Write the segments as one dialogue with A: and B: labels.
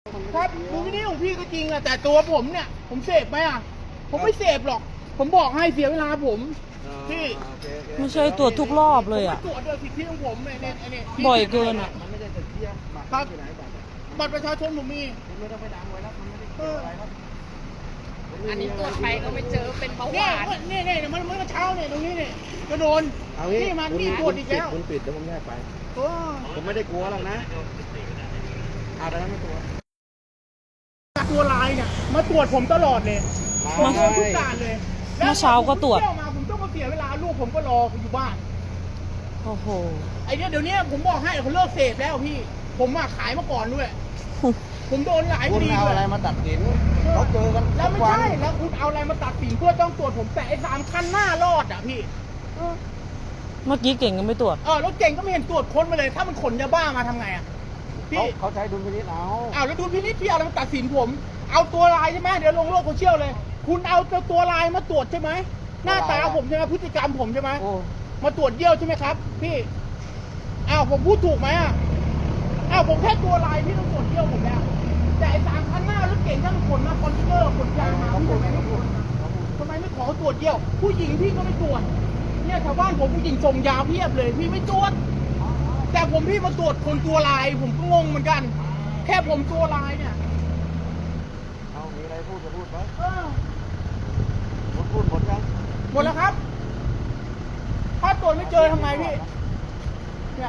A: ครับดูวิดีโอของพี่ก็จริงอะแต่ตัวผมเนี่ยผมเสพไหมอะผมไม่เสพหรอกผมบอกให้เสียเวลาผมพี่
B: ไม่ใช่ตรวจทุกรอบเลยอ่ะ
A: ผมไม่ตรวจด้วยสิทธิของผมเนี่ย
B: บ่อยเกินอ่ะ
C: มันไม่ได้จะเที่ยงหมัก
A: ครับ
C: อยู่ไหนบัตร
A: บัตรประชาชนผมมี
C: คุณไม่ต้องไปดังไว้แล้วมันไม่ได้เกี่ยวอะไรครับ
D: อันนี้ตรวจไปก็ไม่เจอเป็นเบาห
A: เนี่ยว
D: าน
A: เนี่ยมันเมื่อเช้าเนี่ยตรงนี้เนี่ยก็โดน
C: เอางี้
A: นี่มัน
C: คุณ
A: นี่ตรวจอีกแล้ว
C: คุณปิดเดี๋ยวผมแยกไป
A: โอ้
C: ผมไม่ได้กลัวหรอกนะเอาแต่ไม่กลัว
A: ตัวลายเนี่ยมาตรวจผมตลอดเลยผมโดนทุกด่านเลย
B: เมื่อเช้าก็ตรวจ
A: แล้มาผมต้องมาเสียเวลาลูกผมก็รออยู่บ้าน
B: โอ้โห
A: ไอเนี้ยเดี๋ยวนี้ผมบอกให้เขาเลิกเสพแล้วพี่ ผมอะขายมาก่อนด้วย ผมโดนหลายค
C: คุณ
A: ดี
C: เอา
A: ด้ว
C: อะไร
A: ย
C: มาตัดสินเขาเจอกัน
A: แล้ว
C: ทุ
A: ไม่
C: กวัน
A: ใช่แล้วคุณเอาอะไรมาตัดสินเพื่อต้องตรวจผมแต่ไอ้3 คันหน้ารอดอ่ะพี่
B: เมื่อกี้เก่งก็ไม่ตรวจ
A: รถเก่งก็ไม่เห็นตรวจค้นมาเลย ถ้ามันขนยาบ้ามาทำไงอ่ะพี่
C: เขาใช้ดุลพินิจเอา
A: แล้วดูพินิจพี่เอาอะไรมาตัดสินผม เอาตัวลายใช่ไหมเดี๋ยวลงโลกโซเชียลเลย คุณเอาตัวลายมาตรวจใช่ไหมหน้าตาผมใช่ไหมพฤติกรรมผมใช่ไหม
C: โอ้
A: มาตรวจเยี่ยวใช่ไหมครับพี่ผมพูดถูกไหมผมแค่ตัวลายพี่ต้องตรวจเยี่ยวผมแล้วแต่ไอ้3 คันหน้ารถเก่งทั้งขนมาคอนเทนเนอร์ขนยางมาพี่ทำไมไม่ตรวจทำไมไม่ขอตรวจเยี่ยวผู้หญิงพี่ก็ไม่ตรวจเนี่ยชาวบ้านผมผู้หญิงส่งยาเพียบเลยพี่ไม่ตรวจแต่ผมพี่มาตรวจคนตัวลายผมก็งงเหมือนกัน แค่ผมตัวลายเนี่ย
C: เอามีอะไรพูดก็พูดไป
A: เออ
C: ผมพูดหมดยัง
A: หมดแล้วครับถ้าตรวจไม่เจอทำไงพี่เนี่ย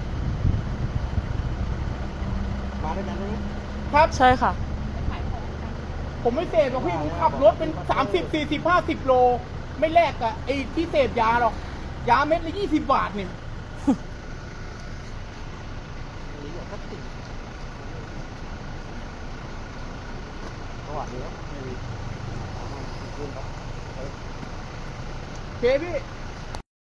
C: มาด้วยกันใช่ไหม
A: ครับ
B: ใช่ค่ะ
A: ผมไม่เสพหรอกพี่ผมขับรถเป็น30 40 50 โล ไม่แลกกับไอ้ที่เสพยาหรอก ยาเม็ดละ20 บาทนี่
C: สวัสดีครับ
A: โอเคพี่